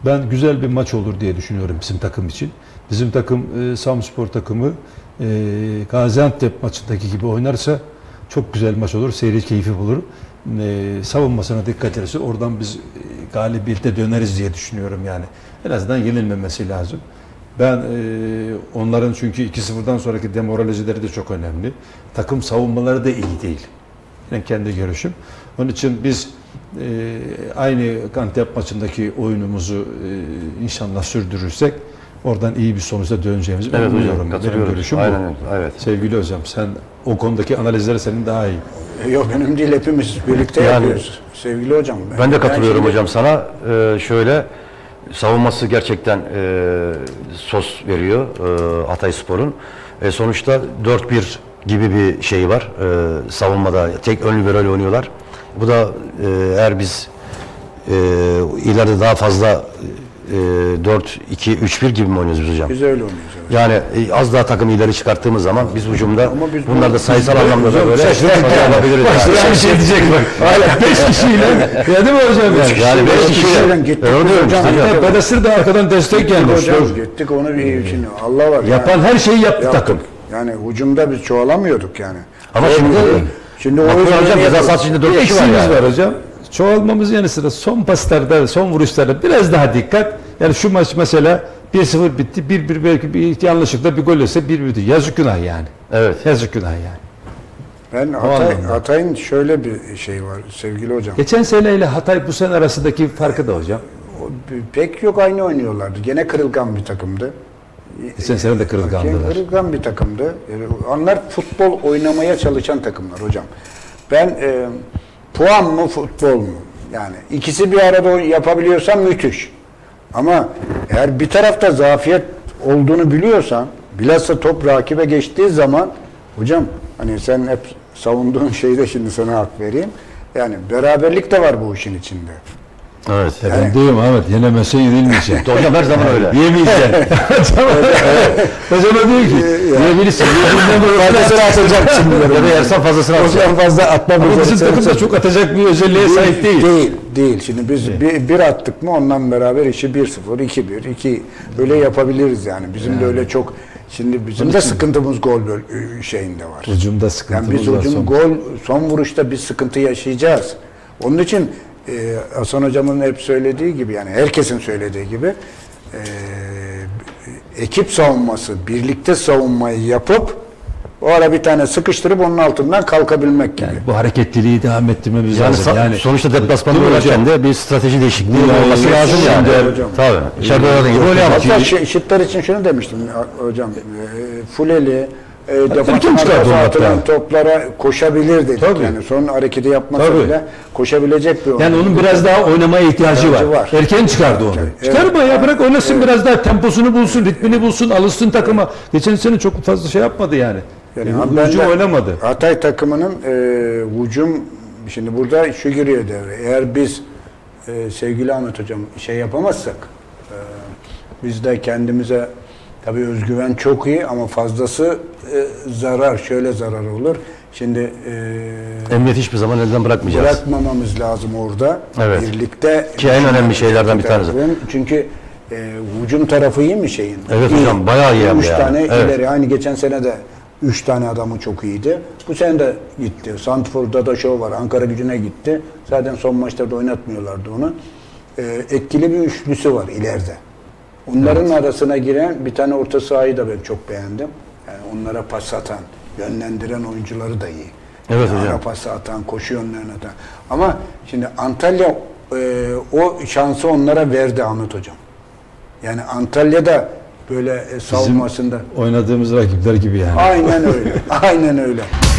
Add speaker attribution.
Speaker 1: Ben güzel bir maç olur diye düşünüyorum bizim takım için. Bizim takım Samspor takımı Gaziantep maçındaki gibi oynarsa çok güzel maç olur. Seyir keyfi bulur. Savunmasına dikkat ederse oradan biz galibiyete döneriz diye düşünüyorum yani. En azından yenilmemesi lazım. Ben onların çünkü 2-0'dan sonraki demoralizeleri de çok önemli. Takım savunmaları da iyi değil. Yani kendi görüşüm. Onun için biz aynı Antep maçındaki oyunumuzu inşallah sürdürürsek oradan iyi bir sonuçla döneceğimizi ben umuyorum. Benim görüşüm bu.
Speaker 2: Evet.
Speaker 1: Sevgili hocam, sen o konudaki analizleri senin daha iyi.
Speaker 3: Yok, benim değil, hepimiz birlikte yapıyoruz. Sevgili hocam.
Speaker 2: Ben de katılıyorum hocam sana. Şöyle savunması gerçekten sos veriyor Hatayspor'un. Sonuçta 4-1 gibi bir şey var. Savunmada tek ön libero oynuyorlar. Bu da eğer biz ileride daha fazla 4-2-3-1 gibi mi oynuyoruz biz hocam?
Speaker 3: Biz öyle oynuyoruz. Evet.
Speaker 2: Yani az daha takımı ileri çıkarttığımız zaman biz hücumda
Speaker 3: biz
Speaker 2: bunlar da sayısal anlamda da böyle yapabiliriz.
Speaker 1: Başka bir şey diyecek bak. Hala 5 kişiyle. Ya değil mi hocam?
Speaker 2: Yani 5 kişiyle.
Speaker 3: Gittik
Speaker 2: hocam.
Speaker 1: Badasır da arkadan destek gelmiş.
Speaker 3: Hocam gittik onu bir şimdi Allah var.
Speaker 1: Yapan her şeyi yaptı takım.
Speaker 3: Yani hücumda biz çoğalamıyorduk yani.
Speaker 2: Ama şimdi
Speaker 3: o
Speaker 2: hocam ceza sahası içinde 4 kişi var
Speaker 1: Eksiğimiz
Speaker 2: yani.
Speaker 1: var hocam. Çoğalmamız yanı sıra son paslarda, son vuruşlarda biraz daha dikkat. Yani şu maç mesela 1-0 bitti. 1-1 belki bir yanlışlıkla bir gol ise 1-1 bitti. Yazık günah yani.
Speaker 2: Evet.
Speaker 1: Yazık günah yani.
Speaker 3: Ben Hatay'ın şöyle bir şey var sevgili hocam.
Speaker 1: Geçen seneyle Hatay bu sene arasındaki farkı da hocam.
Speaker 3: Pek yok, aynı oynuyorlardı. Gene kırılgan bir takımdı.
Speaker 1: Geçen sene de kırılgandılar.
Speaker 3: Kırılgan bir takımdı. Onlar futbol oynamaya çalışan takımlar hocam. Ben puan mı futbol mu? Yani ikisi bir arada yapabiliyorsan müthiş. Ama eğer bir tarafta zafiyet olduğunu biliyorsan, bilhassa top rakibe geçtiği zaman hocam, hani sen hep savunduğun şeyde şimdi sana hak vereyim. Yani beraberlik de var bu işin içinde.
Speaker 2: Evet.
Speaker 1: Ben diyorum Ahmet, yenemezse yenilmeyecek.
Speaker 2: Hocam her zaman öyle.
Speaker 1: Yemeyeceksin. Hocam diyor ki, yiyebilirsin. Fazlasını atacak şimdi.
Speaker 2: Ya da yersen fazlasını atacak.
Speaker 3: Hocam fazla atma.
Speaker 1: Ama bizim takım da çok atacak bir özelliğe sahip değil.
Speaker 3: Değil. Şimdi biz bir attık mı ondan beraber işi 1-0, 2-1, 2 böyle yapabiliriz yani. Bizim de öyle çok, şimdi bizim de sıkıntımız gol şeyinde var.
Speaker 1: Hücumda sıkıntımız
Speaker 3: yani
Speaker 1: var.
Speaker 3: biz gol son vuruşta bir sıkıntı yaşayacağız. Onun için Hasan hocamın hep söylediği gibi, yani herkesin söylediği gibi ekip savunması, birlikte savunmayı yapıp o ara bir tane sıkıştırıp onun altından kalkabilmek gibi.
Speaker 1: Yani bu hareketliliği devam ettirmemiz lazım. Yani
Speaker 2: sonuçta deplasmanda oynarken de bir strateji değişikliği olması lazım yani.
Speaker 3: Hocam.
Speaker 2: Tabii. İçeride oynadığın gibi oynayamaz.
Speaker 3: Hatta şıtlar için şunu demiştim hocam. Fuleli
Speaker 1: kim çıkardı
Speaker 3: atılan toplara koşabilir dedik.
Speaker 1: Tabii.
Speaker 3: Yani son hareketi yapmasa bile koşabilecek bir oyuncu.
Speaker 1: yani onun biraz daha oynamaya ihtiyacı var. Erken çıkardı onu.
Speaker 3: Evet.
Speaker 1: Çıkarma ya, bırak oynasın, biraz daha temposunu bulsun, ritmini bulsun, alışsın takıma. Geçen sene çok fazla şey yapmadı yani. Hücum oynamadı.
Speaker 3: Hatay takımının hücum, şimdi burada şu giriyor devre. Eğer biz sevgili Ahmet hocam şey yapamazsak, biz de kendimize, tabii özgüven çok iyi ama fazlası zarar, şöyle zarar olur. Şimdi
Speaker 2: Emniyet hiçbir zaman elden bırakmayacağız.
Speaker 3: Bırakmamamız lazım orada.
Speaker 2: Evet.
Speaker 3: Birlikte.
Speaker 2: Ki en önemli şeylerden bir tanesi.
Speaker 3: Çünkü hücum tarafı iyi mi şeyin?
Speaker 2: Evet iyi. Hocam bayağı iyi.
Speaker 3: 3 tane ileri. Aynı geçen sene de 3 tane adamı çok iyiydi. Bu sene de gitti. Santfor'da da şov var. Ankara Gücü'ne gitti. Zaten son maçlarda oynatmıyorlardı onu. Etkili bir üçlüsü var ileride. Onların arasına giren bir tane orta sahayı da ben çok beğendim. Yani onlara pas atan, yönlendiren oyuncuları da iyi.
Speaker 2: Evet
Speaker 3: yani
Speaker 2: hocam.
Speaker 3: Ara pası atan, koşu yönlerine atan. Ama şimdi Antalya o şansı onlara verdi Ahmet hocam. Yani Antalya'da böyle savunmasında.
Speaker 1: Oynadığımız rakipler gibi yani.
Speaker 3: Aynen öyle. Aynen öyle.